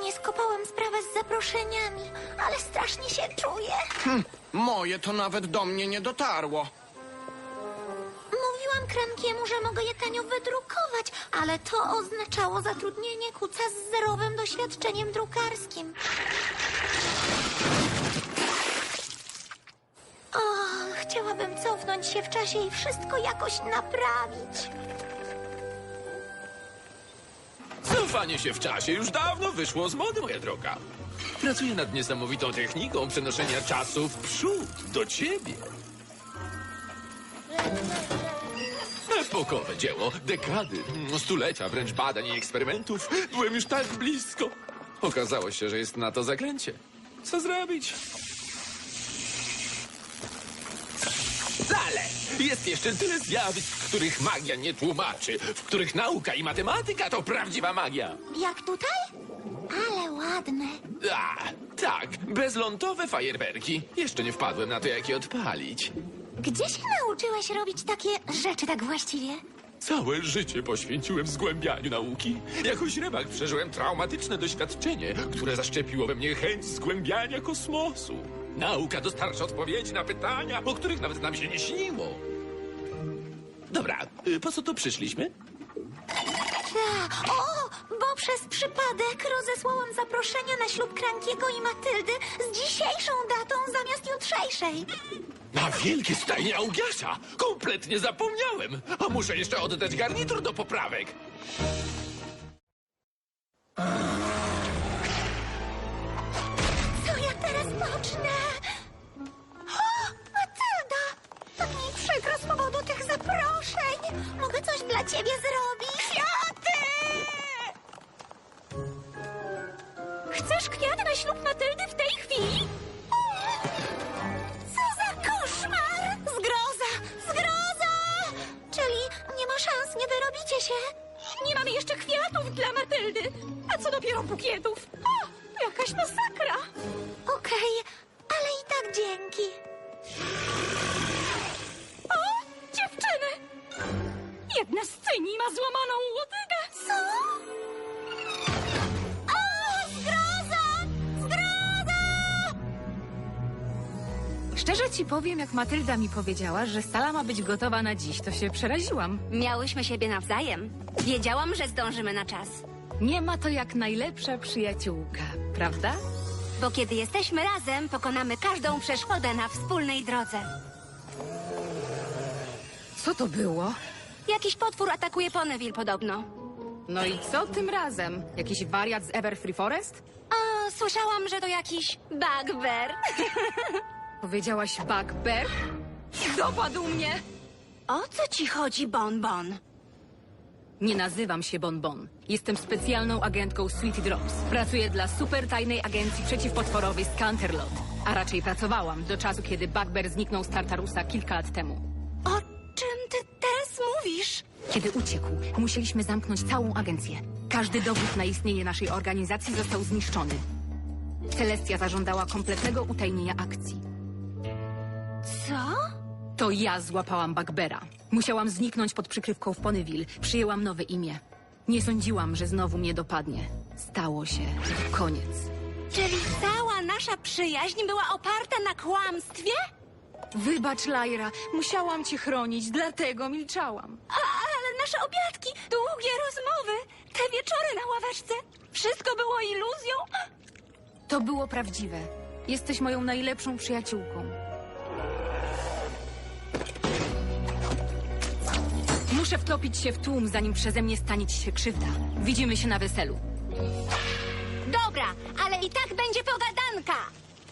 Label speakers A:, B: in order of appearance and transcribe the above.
A: nie skopałam sprawę z zaproszeniami, ale strasznie się czuję.
B: Moje to nawet do mnie nie dotarło.
A: Mówiłam Krankiemu, że mogę je tanio wydrukować, ale to oznaczało zatrudnienie kuca z zerowym doświadczeniem drukarskim. O, chciałabym cofnąć się w czasie i wszystko jakoś naprawić.
C: Cofanie się w czasie już dawno wyszło z mody, moja droga. Pracuję nad niesamowitą techniką przenoszenia czasu w przód, do ciebie. Epokowe dzieło, dekady, stulecia wręcz badań i eksperymentów. Byłem już tak blisko. Okazało się, że jest na to zaklęcie. Co zrobić? Ale jest jeszcze tyle zjawisk, których magia nie tłumaczy, w których nauka i matematyka to prawdziwa magia.
A: Jak tutaj? Ale ładne.
C: A, tak, bezlądowe fajerwerki. Jeszcze nie wpadłem na to, jak je odpalić.
A: Gdzie się nauczyłeś robić takie rzeczy tak właściwie?
C: Całe życie poświęciłem zgłębianiu nauki. Jako śrebak przeżyłem traumatyczne doświadczenie, które zaszczepiło we mnie chęć zgłębiania kosmosu. Nauka dostarcza odpowiedzi na pytania, o których nawet nam się nie śniło. Dobra, po co tu przyszliśmy?
A: O, bo przez przypadek rozesłałam zaproszenia na ślub Krankiego i Matyldy z dzisiejszą datą zamiast jutrzejszej.
C: Na wielkie stajnie Augiasza! Kompletnie zapomniałem! A muszę jeszcze oddać garnitur do poprawek.
A: Co ja teraz pocznę? O, Matylda! Tak mi przykro z powodu tych zaproszeń. Mogę coś dla ciebie zrobić? Kwiaty! Chcesz kwiat na ślub Matyldy w tej chwili? Co za koszmar! Zgroza! Zgroza! Czyli nie ma szans, nie wyrobicie się?
D: Nie mamy jeszcze kwiatów dla Matyldy. A co dopiero bukietów? O, jakaś masakra.
A: Okej, ale i tak dzięki.
D: O, dziewczyny. Jedna z cyni ma złamaną łodygę.
A: Co? O, zgroza! Zgroza!
E: Szczerze ci powiem, jak Matylda mi powiedziała, że sala ma być gotowa na dziś, to się przeraziłam.
F: Miałyśmy siebie nawzajem. Wiedziałam, że zdążymy na czas.
E: Nie ma to jak najlepsza przyjaciółka, prawda?
F: Bo kiedy jesteśmy razem, pokonamy każdą przeszkodę na wspólnej drodze.
E: Co to było?
F: Jakiś potwór atakuje Ponyville podobno.
E: No i co tym razem? Jakiś wariat z Everfree Forest?
F: A, słyszałam, że to jakiś bugbear.
E: Powiedziałaś bugbear?
D: Dopadł mnie.
F: O co ci chodzi, Bonbon?
E: Nie nazywam się Bonbon. Jestem specjalną agentką Sweetie Drops. Pracuję dla super tajnej agencji przeciwpotworowej Scanterlot. A raczej pracowałam do czasu, kiedy bugbear zniknął z Tartarusa kilka lat temu.
F: O czym ty teraz mówisz?
E: Kiedy uciekł, musieliśmy zamknąć całą agencję. Każdy dowód na istnienie naszej organizacji został zniszczony. Celestia zażądała kompletnego utajnienia akcji.
F: Co?
E: To ja złapałam Bugbeara. Musiałam zniknąć pod przykrywką w Ponyville. Przyjęłam nowe imię. Nie sądziłam, że znowu mnie dopadnie. Stało się. Koniec.
F: Czyli cała nasza przyjaźń była oparta na kłamstwie?
E: Wybacz, Lyra. Musiałam cię chronić, dlatego milczałam.
F: Ale nasze obiadki, długie rozmowy, te wieczory na ławeczce, wszystko było iluzją?
E: To było prawdziwe. Jesteś moją najlepszą przyjaciółką. Muszę wtopić się w tłum, zanim przeze mnie stanie ci się krzywda. Widzimy się na weselu.
F: Dobra, ale i tak będzie pogadanka.